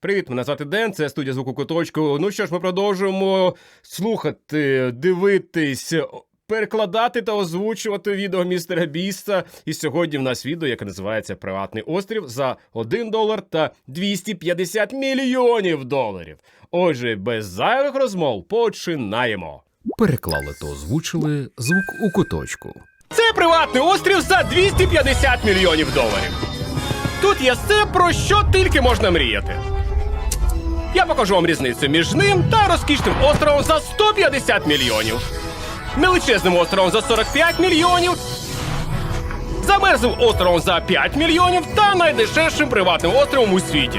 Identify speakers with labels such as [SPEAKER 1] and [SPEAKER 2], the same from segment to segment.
[SPEAKER 1] Привіт, мене звати Ден, це студія «Звук у куточку». Ну що ж, ми продовжуємо слухати, дивитись, перекладати та озвучувати відео містера Біста. І сьогодні в нас відео, яке називається «Приватний острів» за $1 та 250 мільйонів доларів. Отже, без зайвих розмов починаємо.
[SPEAKER 2] Переклали та озвучили «Звук у куточку».
[SPEAKER 1] Це приватний острів за 250 мільйонів доларів. Тут є все, про що тільки можна мріяти. Я покажу вам різницю між ним та розкішним островом за 150 мільйонів. Величезним островом за 45 мільйонів. Замерзлим островом за 5 мільйонів та найдешевшим приватним островом у світі.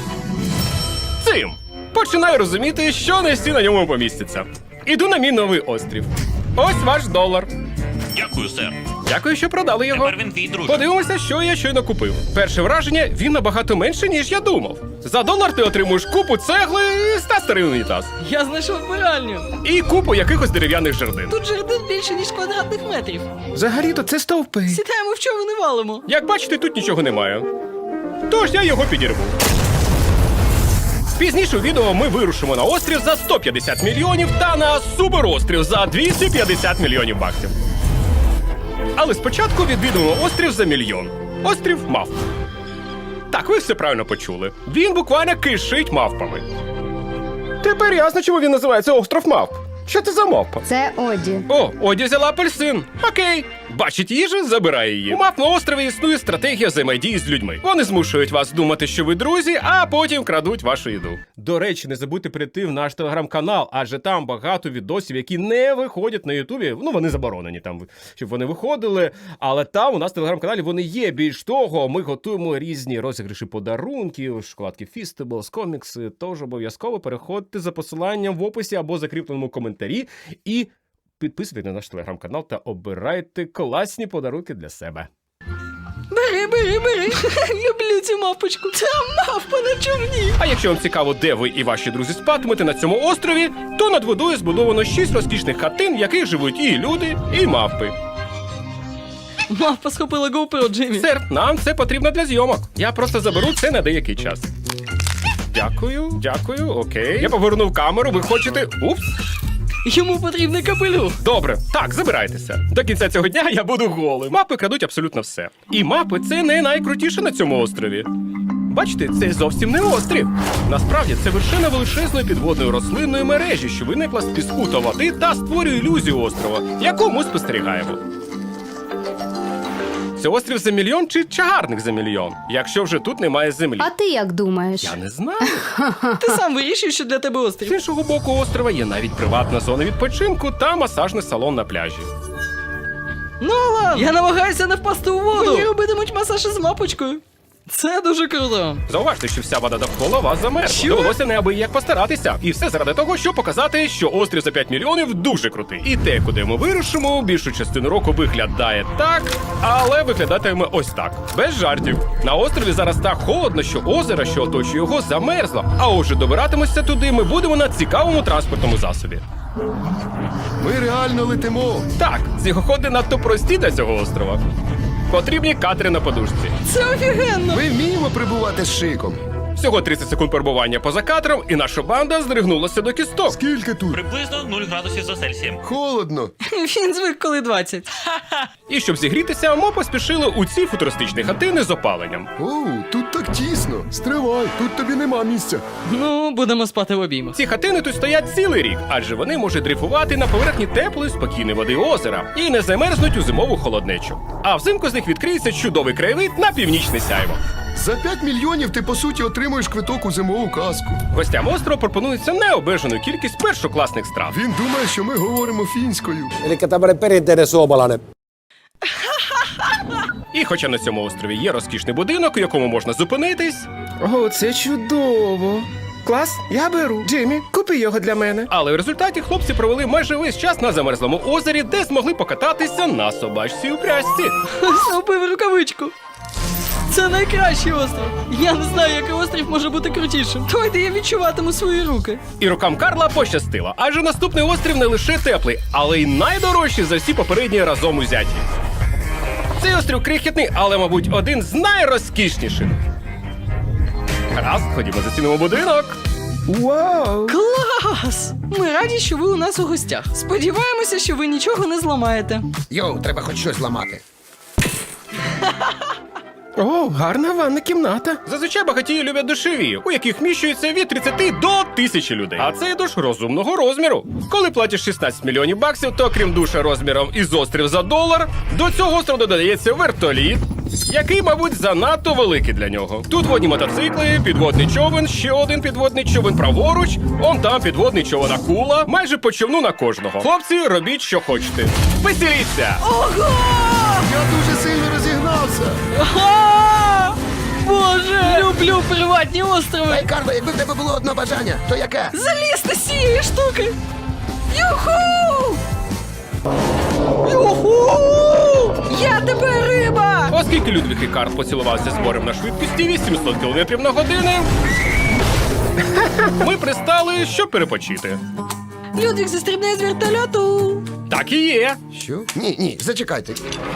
[SPEAKER 1] Цим починаю розуміти, що не всі на ньому помістяться. Іду на мій новий острів. Ось ваш $1.
[SPEAKER 3] Дякую, сер.
[SPEAKER 1] Дякую, що продали його.
[SPEAKER 3] Тепер він твій, друже.
[SPEAKER 1] Подивимося, що я щойно купив. Перше враження, він набагато менше, ніж я думав. За $1 ти отримуєш купу цегли та старий унітаз.
[SPEAKER 4] Я знайшов вбиральню.
[SPEAKER 1] І купу якихось дерев'яних жердин.
[SPEAKER 4] Тут жердин більше, ніж квадратних метрів.
[SPEAKER 1] Взагалі-то це стовпи.
[SPEAKER 4] Сідаємо в човен і валимо.
[SPEAKER 1] Як бачите, тут нічого немає. Тож я його підірву. Пізніше у відео ми вирушимо на острів за 150 мільйонів та на суперострів за 250 мільйонів баксів. Але спочатку відвідуємо острів за $1 мільйон. Острів мавп. Так, ви все правильно почули. Він буквально кишить мавпами. Тепер ясно, чому він називається остров мавп. Що це за мавпа?
[SPEAKER 5] Це Оді.
[SPEAKER 1] О, Оді взяла апельсин. Окей. Бачить їжу, забирає її. У мавп на острові існує стратегія взаємодії з людьми. Вони змушують вас думати, що ви друзі, а потім крадуть вашу їду. До речі, не забудьте прийти в наш телеграм-канал, адже там багато відосів, які не виходять на Ютубі. Ну, вони заборонені там, щоб вони виходили. Але там у нас в телеграм-каналі вони є. Більш того, ми готуємо різні розіграші подарунків, шоколадки Feastables, комікси. Тож обов'язково переходьте за посиланням в описі або закріпленому коментарі і підписуйтесь на наш телеграм-канал та обирайте класні подарунки для себе.
[SPEAKER 4] Бери. Люблю цю мавпочку. Це мавпа на човні.
[SPEAKER 1] А якщо вам цікаво, де ви і ваші друзі спатимете на цьому острові, то над водою збудовано 6 розкішних хатин, в яких живуть і люди, і мавпи.
[SPEAKER 4] Мавпа схопила GoPro, Джиммі.
[SPEAKER 1] Сер, нам це потрібно для зйомок. Я просто заберу це на деякий час. Дякую, окей. Я повернув камеру, ви хочете... Упс.
[SPEAKER 4] Йому потрібний капелюх.
[SPEAKER 1] Добре, так, забирайтеся. До кінця цього дня я буду голим. Мапи крадуть абсолютно все. І мапи – це не найкрутіше на цьому острові. Бачите, це зовсім не острів. Насправді, це вершина величезної підводної рослинної мережі, що виникла з піску та води та створює ілюзію острова, яку ми спостерігаємо. Це острів за $1 мільйон чи чагарник за $1 мільйон, якщо вже тут немає землі?
[SPEAKER 5] А ти як думаєш?
[SPEAKER 1] Я не знаю.
[SPEAKER 4] Ти сам вирішив, що для тебе
[SPEAKER 1] З
[SPEAKER 4] острів.
[SPEAKER 1] іншого боку острова є навіть приватна зона відпочинку та масажний салон на пляжі.
[SPEAKER 4] Ну ладно. Я намагаюся не впасти у воду. Мені робитимуть масаж із мавпочкою. Це дуже круто.
[SPEAKER 1] Зауважте, що вся вода довкола вас замерзла.
[SPEAKER 4] Що?
[SPEAKER 1] Довелося неабияк постаратися. І все заради того, щоб показати, що острів за 5 мільйонів дуже крутий. І те, куди ми вирушимо, більшу частину року виглядає так, але виглядатиме ось так. Без жартів. На острові зараз так холодно, що озеро, що оточує його, замерзло. А отже, добиратимося туди ми будемо на цікавому транспортному засобі.
[SPEAKER 6] Ми реально летимо.
[SPEAKER 1] Так, снігоходи надто прості для цього острова. Потрібні катери на подушці.
[SPEAKER 4] Це офігенно.
[SPEAKER 6] Ми вміємо прибувати з шиком.
[SPEAKER 1] Всього 30 секунд перебування поза катером, і наша банда здригнулася до кісток.
[SPEAKER 6] Скільки тут?
[SPEAKER 3] Приблизно 0 градусів за Цельсієм.
[SPEAKER 6] Холодно.
[SPEAKER 4] Він звик, коли 20.
[SPEAKER 1] І щоб зігрітися, ми поспішили у ці футуристичні хатини з опаленням.
[SPEAKER 6] Оу, тут так тісно. Стривай, тут тобі нема місця.
[SPEAKER 4] Ну, будемо спати в обіймах.
[SPEAKER 1] Ці хатини тут стоять цілий рік, адже вони можуть дрейфувати на поверхні теплої, спокійної води озера і не замерзнуть у зимову холоднечу. А взимку з них відкриється чудовий краєвид на північне сяйво.
[SPEAKER 6] За 5 мільйонів ти, по суті, отримуєш квиток у зимову казку.
[SPEAKER 1] Гостям острова пропонується необмежену кількість першокласних страв.
[SPEAKER 6] Він думає, що ми говоримо фінською.
[SPEAKER 7] Elikkä tämmöinen perinteinen suomalainen.
[SPEAKER 1] І хоча на цьому острові є розкішний будинок, у якому можна зупинитись,
[SPEAKER 8] О, це чудово. Клас, я беру. Джиммі, купи його для мене.
[SPEAKER 1] але в результаті хлопці провели майже весь час на замерзлому озері, де змогли покататися на собачці у пряжці.
[SPEAKER 4] Зробив рукавичку. Це найкращий острів. Я не знаю, який острів може бути крутішим. Той, де я відчуватиму свої руки.
[SPEAKER 1] І рукам Карла пощастило, адже наступний острів не лише теплий, але й найдорожчий за всі попередні разом узяті. Цей острів крихітний, але, мабуть, один з найрозкішніших. Гаразд, ходімо зацінимо будинок.
[SPEAKER 8] Вау!
[SPEAKER 4] Клас! Ми раді, що ви у нас у гостях. Сподіваємося, що ви нічого не зламаєте.
[SPEAKER 7] Йоу, треба хоч щось ламати.
[SPEAKER 8] О, гарна ванна кімната.
[SPEAKER 1] Зазвичай багатії люблять душові, у яких вміщується від 30 до 1000 людей. А цей душ розумного розміру. Коли платиш 16 мільйонів баксів, то крім душа розміром із острів за $1, до цього острову додається вертоліт, який, мабуть, занадто великий для нього. Тут водні мотоцикли, підводний човен, ще один підводний човен праворуч, он там підводний човен акула, майже по човну на кожного. Хлопці, робіть, що хочете. Веселіться!
[SPEAKER 4] Ого!
[SPEAKER 6] Я дуже сильно розігнався.
[SPEAKER 4] Ага! Боже! Люблю приватні острови!
[SPEAKER 7] Ей, Карло, якби в тебе було одне бажання, то яке?
[SPEAKER 4] Залізти з цієї штуки! Юху! Юху! Я тебе риба!
[SPEAKER 1] Оскільки Людвіг і Карл поцілувався з морем на швидкості 800 км на годину, ми пристали, щоб перепочити.
[SPEAKER 4] Людвіг застрибне з вертольоту!
[SPEAKER 1] Так і є.
[SPEAKER 7] Що? Ні, зачекайте.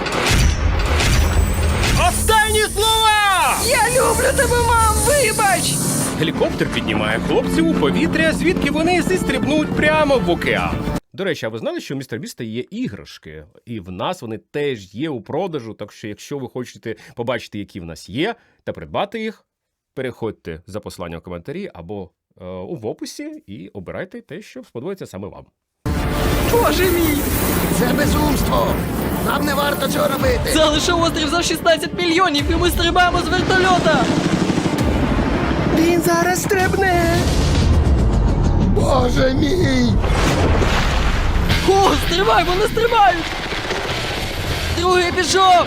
[SPEAKER 1] Останні слова!
[SPEAKER 4] Я люблю тебе, мам! Вибач!
[SPEAKER 1] Гелікоптер піднімає хлопців у повітря, звідки вони зістрибнуть прямо в океан. До речі, а ви знали, що у містера Біста є іграшки? І в нас вони теж є у продажу, так що якщо ви хочете побачити, які в нас є, та придбати їх, переходьте за посиланням в коментарі або в описі і обирайте те, що сподобається саме вам.
[SPEAKER 4] Боже мій!
[SPEAKER 7] Це безумство! Нам не варто цього робити!
[SPEAKER 4] Це лише острів за 16 мільйонів, і ми стрибаємо з вертольота!
[SPEAKER 8] Він зараз стрибне.
[SPEAKER 7] Боже мій!
[SPEAKER 4] О, стрибай, вони стрибають! Другий пішов!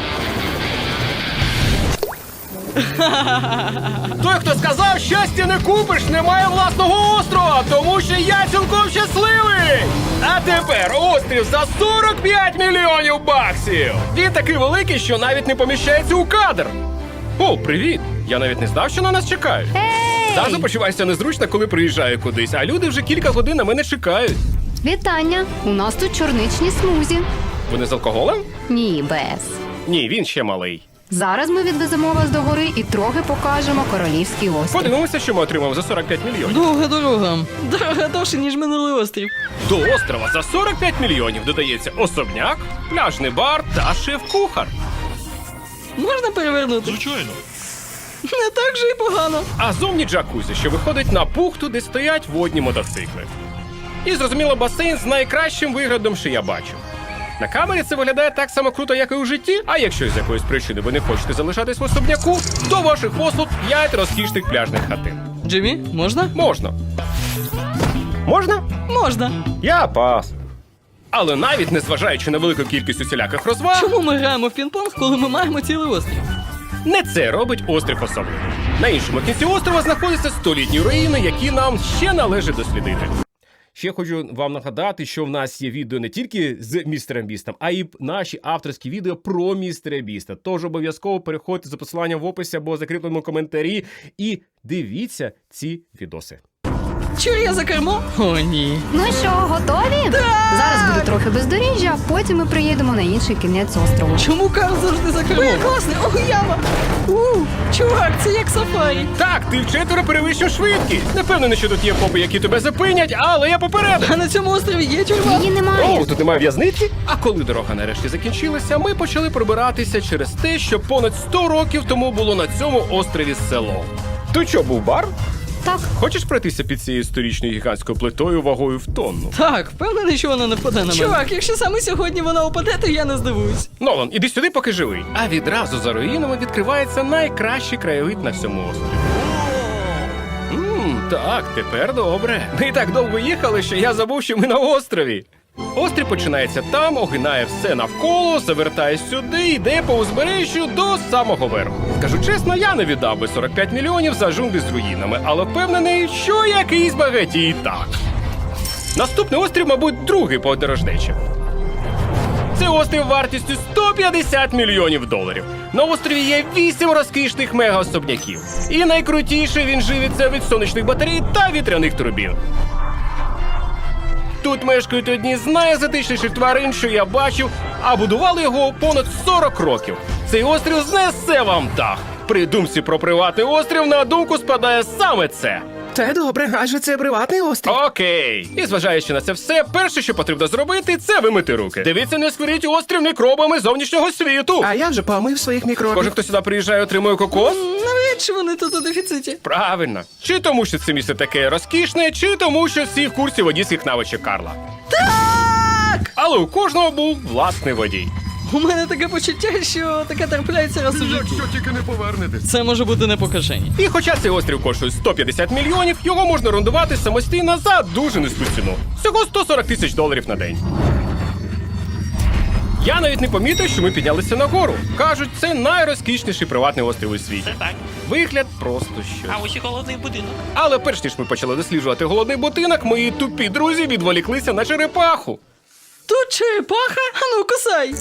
[SPEAKER 1] Той, хто сказав, щастя не купиш, не має власного острова, тому що я цілком щасливий! А тепер острів за 45 мільйонів баксів! Він такий великий, що навіть не поміщається у кадр. О, привіт! Я навіть не знав, що на нас чекають. Завжди почуваюся незручно, коли приїжджаю кудись, а люди вже кілька годин на мене чекають.
[SPEAKER 5] Вітання! У нас тут чорничні смузі.
[SPEAKER 1] Вони з алкоголем?
[SPEAKER 5] Ні, без.
[SPEAKER 1] Ні, він ще малий.
[SPEAKER 5] Зараз ми відвеземо вас до гори і трохи покажемо королівський острів.
[SPEAKER 1] Подивимося, що ми отримав за 45 мільйонів.
[SPEAKER 4] Довга дорога. Дорога довше, ніж минулий острів.
[SPEAKER 1] До острова за 45 мільйонів додається особняк, пляжний бар та шеф-кухар.
[SPEAKER 4] Можна перевернути?
[SPEAKER 3] Звичайно.
[SPEAKER 4] Не так же і погано.
[SPEAKER 1] А зовні джакузі, що виходить на бухту, де стоять водні мотоцикли. І, зрозуміло, басейн з найкращим виглядом, що я бачив. На камері це виглядає так само круто, як і у житті, а якщо з якоїсь причини ви не хочете залишатись в особняку, до ваших послуг 5 розкішних пляжних хатин.
[SPEAKER 4] Джиммі, можна?
[SPEAKER 1] Можна. Можна?
[SPEAKER 4] Можна.
[SPEAKER 1] Я пас. Але навіть незважаючи на велику кількість усіляких розваг,
[SPEAKER 4] Чому ми граємо в пінг-понг, коли ми маємо цілий острів?
[SPEAKER 1] не це робить острів особливим. На іншому кінці острова знаходяться столітні руїни, які нам ще належить дослідити. Ще хочу вам нагадати, що в нас є відео не тільки з містером Бістом, а й наші авторські відео про містера Біста. Тож обов'язково переходьте за посиланням в описі або закріпленому коментарі і дивіться ці відоси.
[SPEAKER 4] Чур я за кермо? О, ні.
[SPEAKER 5] Ну що, готові? Зараз буде трохи бездоріжжя, а потім ми приїдемо на інший кінець острову.
[SPEAKER 4] Чому Карл завжди за кермо? Ой, класний, ого, яма! Чувак, це як сафарі.
[SPEAKER 1] Так, ти вчетверо перевищив швидкість. Не впевнений, що тут є попи, які тебе зупинять, але я попередив.
[SPEAKER 4] А на цьому острові є тюрма?
[SPEAKER 5] Її немає.
[SPEAKER 1] О, тут немає в'язниці? А коли дорога нарешті закінчилася, ми почали пробиратися через те, що понад 100 років тому було на цьому острові село. Тут що, був бар?
[SPEAKER 5] Так,
[SPEAKER 1] Хочеш пройтися під цією історичною гігантською плитою вагою в тонну?
[SPEAKER 4] Так, впевнений, що вона не впаде на мене. Чувак, якщо саме сьогодні вона упаде, то я не здивуюсь.
[SPEAKER 1] Нолан, іди сюди, поки живий. А відразу за руїнами відкривається найкращий краєвид на всьому острові. Так, тепер добре. Ми так довго їхали, що я забув, що ми на острові. Острів починається там, огинає все навколо, завертає сюди, йде по узбережжю до самого верху. Скажу чесно, я не віддав би 45 мільйонів за джунглі з руїнами, але впевнений, що якийсь багатій так. Наступний острів, мабуть, другий по дорожнечі. Це острів вартістю 150 мільйонів доларів. На острові є 8 розкішних мега-особняків. І найкрутіше, він живиться від сонячних батарей та вітряних турбін. Тут мешкають одні з найзатишніших тварин, що я бачив, а будували його понад 40 років. Цей острів знесе вам дах. При думці про приватний острів на думку спадає саме це.
[SPEAKER 8] Це добре, адже це приватний острів.
[SPEAKER 1] Окей. І зважаючи на це все, перше, що потрібно зробити, це вимити руки. Дивіться, не сваріть острів мікробами зовнішнього світу.
[SPEAKER 8] А я вже помив своїх мікробів.
[SPEAKER 1] Кожен, хто сюди приїжджає, отримує кокос?
[SPEAKER 4] Навряд чи вони тут у дефіциті.
[SPEAKER 1] Правильно. Чи тому, що це місце таке розкішне, чи тому, що всі в курсі водійських навичок Карла.
[SPEAKER 4] Так!
[SPEAKER 1] Але у кожного був власний водій.
[SPEAKER 4] У мене таке почуття, що таке трапляється раз у житті.
[SPEAKER 6] Якщо тільки не повернетесь.
[SPEAKER 4] Це може бути не покажені.
[SPEAKER 1] І хоча цей острів коштує 150 мільйонів, його можна орендувати самостійно за дуже низьку ціну. Всього $140 тисяч на день. Я навіть не помітив, що ми піднялися нагору. Кажуть, це найрозкішніший приватний острів у світі.
[SPEAKER 3] Це так.
[SPEAKER 1] Вигляд просто щось.
[SPEAKER 3] А ось і холодний будинок.
[SPEAKER 1] Але перш ніж ми почали досліджувати голодний будинок, мої тупі друзі відволіклися на черепаху.
[SPEAKER 4] Тут черепаха? Ану, кусай!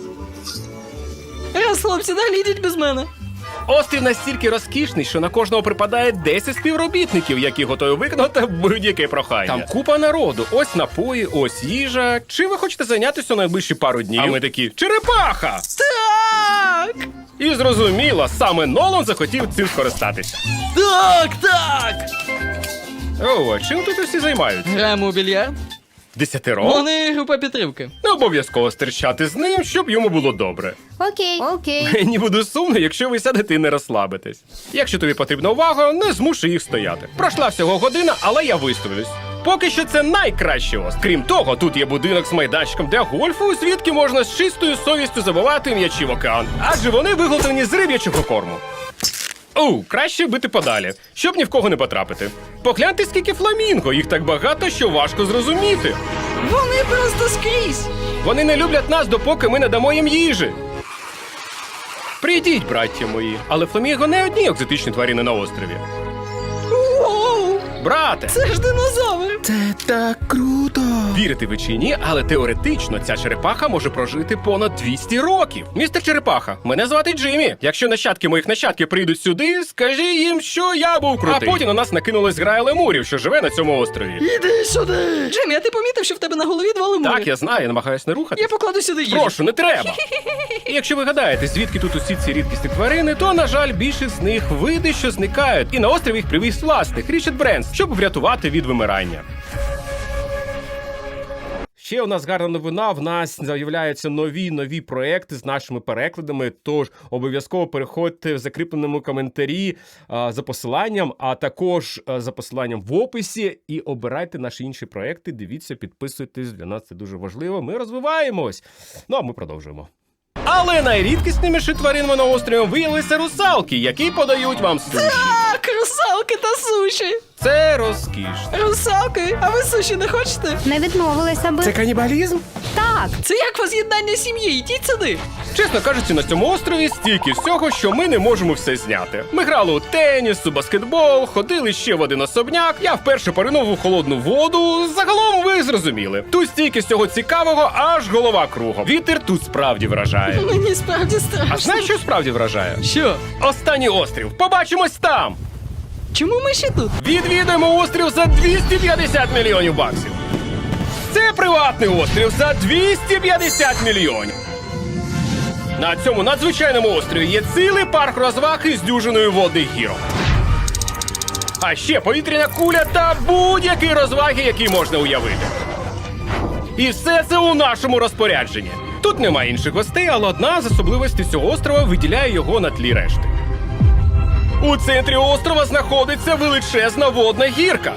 [SPEAKER 4] Раз, хлопці, далі йдіть без мене.
[SPEAKER 1] Острів настільки розкішний, що на кожного припадає 10 співробітників, які готові виконати будь-яке прохання. Там купа народу, ось напої, ось їжа. Чим ви хочете зайнятися у найближчі пару днів? А ми такі черепаха!
[SPEAKER 4] Так!
[SPEAKER 1] І зрозуміло, саме Нолан захотів цим скористатися.
[SPEAKER 4] Так!
[SPEAKER 1] О, а чим тут усі займаються?
[SPEAKER 4] Граємо у більярд.
[SPEAKER 1] 10?
[SPEAKER 4] Вони група підтримки.
[SPEAKER 1] Не обов'язково стерчати з ним, щоб йому було добре.
[SPEAKER 5] Окей.
[SPEAKER 1] Мені буде сумно, якщо ви сядете і не розслабитесь. Якщо тобі потрібна увага, не змушуй їх стояти. Пройшла всього година, але я виставлюсь. Поки що це найкраще острів. Крім того, тут є будинок з майданчиком для гольфу, звідки можна з чистою совістю забивати м'ячі в океан. Адже вони виготовлені з риб'ячого корму. Краще бити подалі, щоб ні в кого не потрапити. Погляньте, скільки фламінго, їх так багато, що важко зрозуміти.
[SPEAKER 4] Вони просто скрізь.
[SPEAKER 1] Вони не люблять нас, допоки ми не дамо їм їжі. Прийдіть, браття мої. Але фламінго не одні екзотичні тварини на острові.
[SPEAKER 4] Воу!
[SPEAKER 1] Брате,
[SPEAKER 4] Це ж динозавр.
[SPEAKER 8] Це так круто.
[SPEAKER 1] вірите ви чи ні, але теоретично ця черепаха може прожити понад 200 років. Містер Черепаха, мене звати Джиммі. Якщо нащадки моїх нащадків прийдуть сюди, скажи їм, що я був крутий. А потім на нас накинулась грая лемурів, що живе на цьому острові.
[SPEAKER 4] Іди сюди. Джиммі, а ти помітив, що в тебе на голові два лемури?
[SPEAKER 1] Так, я знаю, я намагаюсь не рухати.
[SPEAKER 4] Я покладу сюди їжу.
[SPEAKER 1] Прошу, не треба. І якщо ви гадаєте, звідки тут усі ці рідкісні тварини, то, на жаль, більшість з них види, що зникають. І на острів їх привіз власник Річард Бренс, щоб врятувати від вимирання. Ще у нас гарна новина, в нас з'являються нові проекти з нашими перекладами, тож обов'язково переходьте в закріпленому коментарі за посиланням, а також за посиланням в описі і обирайте наші інші проекти, дивіться, підписуйтесь, для нас це дуже важливо, ми розвиваємось. Ну, а ми продовжуємо. Але найрідкісніші тваринами на острові виявилися русалки, які подають вам суші.
[SPEAKER 4] Так, русалки та суші.
[SPEAKER 1] Це розкішно.
[SPEAKER 4] Русалки, а ви суші не хочете?
[SPEAKER 5] Не відмовилися би.
[SPEAKER 8] Це канібалізм?
[SPEAKER 5] Так.
[SPEAKER 4] Це як воз'єднання сім'ї, йдіть сюди.
[SPEAKER 1] Чесно кажучи, на цьому острові стільки всього, що ми не можемо все зняти. Ми грали у теніс, у баскетбол, ходили ще в один особняк. Я вперше поринув у холодну воду. Загалом ви зрозуміли. Тут стільки всього цікавого, аж голова кругом. Вітер тут справді вражає.
[SPEAKER 4] Мені справді страшно.
[SPEAKER 1] А знаєш, що справді вражає?
[SPEAKER 4] Що?
[SPEAKER 1] Останній острів. Побачимось там!
[SPEAKER 4] Чому ми ще тут?
[SPEAKER 1] Відвідаємо острів за 250 мільйонів баксів. Це приватний острів за 250 мільйонів. На цьому надзвичайному острові є цілий парк розваг із дюжиною водних гірок. А ще повітряна куля та будь-які розваги, які можна уявити. І все це у нашому розпорядженні. Тут немає інших гостей, але одна з особливостей цього острова виділяє його на тлі решти. У центрі острова знаходиться величезна водна гірка.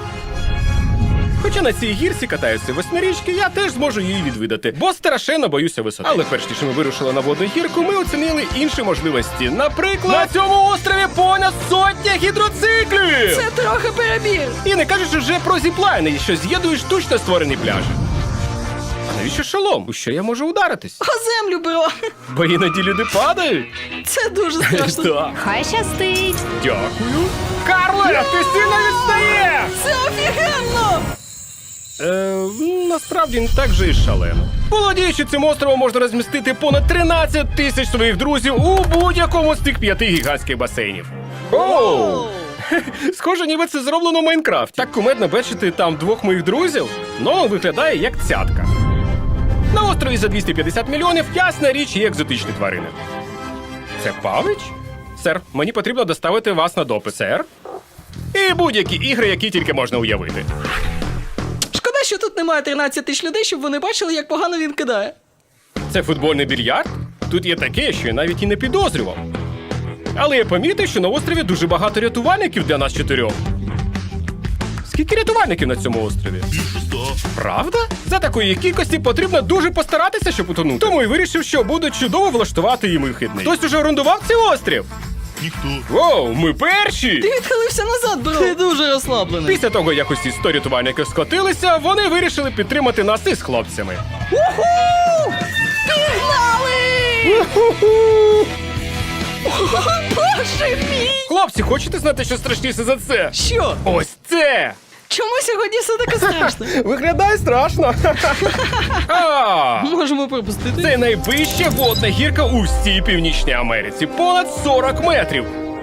[SPEAKER 1] Хоча на цій гірці катаються восьмирічки, я теж зможу її відвідати, бо страшенно боюся висоти. Але перш ніж ми вирушили на водну гірку, ми оцінили інші можливості. Наприклад, на цьому острові понад 100 гідроциклів!
[SPEAKER 4] Це трохи перебір.
[SPEAKER 1] І не кажеш вже про зіплайни, що з'єднують штучно створені пляжі. А навіщо шолом? У що я можу ударитись?
[SPEAKER 4] О землю, бро.
[SPEAKER 1] Бо іноді люди падають.
[SPEAKER 4] Це дуже страшно.
[SPEAKER 1] Так.
[SPEAKER 5] Хай щастить.
[SPEAKER 1] Дякую. Карле, ти сильно відстаєш!
[SPEAKER 4] Це офігенно!
[SPEAKER 1] Насправді не так же і шалено. Володіючи цим островом, можна розмістити понад 13 тисяч своїх друзів у будь-якому з цих 5 гігантських басейнів. Оу! Схоже, ніби це зроблено в Майнкрафті. Так кумедно бачити там двох моїх друзів, но виглядає як цятка. На острові за 250 мільйонів, ясна річ, є екзотичні тварини. Це павич? Сер, мені потрібно доставити вас на допит. Сер? І будь-які ігри, які тільки можна уявити.
[SPEAKER 4] Шкода, що тут немає 13 тисяч людей, щоб вони бачили, як погано він кидає.
[SPEAKER 1] Це футбольний більярд? Тут є таке, що я навіть і не підозрював. Але я помітив, що на острові дуже багато рятувальників для нас 4. Скільки рятувальників на цьому острові?
[SPEAKER 3] Більше 100.
[SPEAKER 1] Правда? За такої кількості потрібно дуже постаратися, щоб утонути. Тому й вирішив, що буде чудово влаштувати їм вихідний. Хтось уже орендував цей острів?
[SPEAKER 3] Ніхто.
[SPEAKER 1] Воу, ми перші!
[SPEAKER 4] Ти відхилився назад, бро. Ти дуже розслаблений.
[SPEAKER 1] Після того, як усі 100 рятувальників скотилися, вони вирішили підтримати нас із хлопцями.
[SPEAKER 4] Уху! Пігнали! Боже мій!
[SPEAKER 1] Хлопці, хочете знати, що страшніше за це?
[SPEAKER 4] Що?
[SPEAKER 1] Ось це!
[SPEAKER 4] Чому сьогодні все таке страшно?
[SPEAKER 1] Виглядає страшно. А,
[SPEAKER 4] Можемо пропустити.
[SPEAKER 1] це найвища водна гірка у всій Північній Америці. Понад 40 метрів.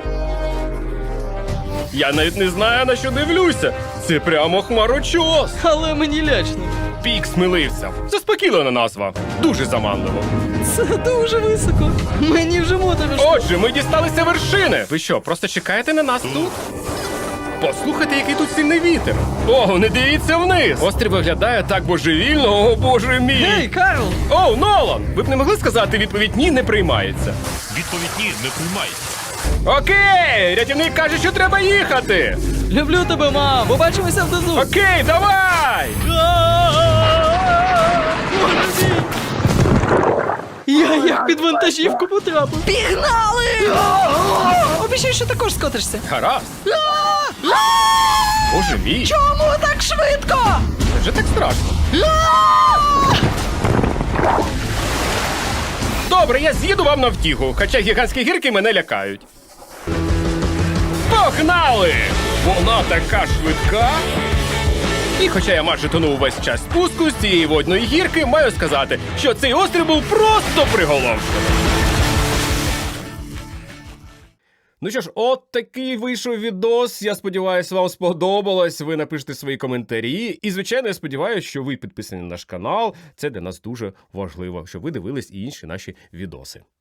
[SPEAKER 1] Я навіть не знаю, на що дивлюся. Це прямо хмарочос.
[SPEAKER 4] Але мені лячно.
[SPEAKER 1] Пік сміливця. Заспокійлена назва. Дуже заманливо.
[SPEAKER 4] Це дуже високо. Мені вже моторошно.
[SPEAKER 1] Отже, ми дісталися вершини. Ви що, просто чекаєте на нас тут? Послухайте, який тут сильний вітер. О, не дивіться вниз. Острів виглядає так божевільно, о боже мій.
[SPEAKER 4] Гей, Карл!
[SPEAKER 1] О, Нолан! Ви б не могли сказати відповідь «ні» не приймається?
[SPEAKER 3] Відповідь ні, не приймається.
[SPEAKER 1] Окей, рятівник каже, що треба їхати.
[SPEAKER 4] Люблю тебе, мам! Побачимося внизу!
[SPEAKER 1] Окей, давай!
[SPEAKER 4] Я як під вантажівку потрапив. Пігнали! Обіцяй, що також скотишся.
[SPEAKER 1] Гаразд. Боже мій,
[SPEAKER 4] Чому так швидко?
[SPEAKER 1] це вже так страшно. Добре, я з'їду вам на втіху, хоча гігантські гірки мене лякають. Погнали! Вона така швидка. І хоча я майже тонув увесь час спуску з цієї водної гірки, маю сказати, що цей острів був просто приголомшливий. Ну що ж, от такий вийшов відос. Я сподіваюся, вам сподобалось. Ви напишете свої коментарі. І, звичайно, я сподіваюся, що ви підписані на наш канал. Це для нас дуже важливо, щоб ви дивились і інші наші відоси.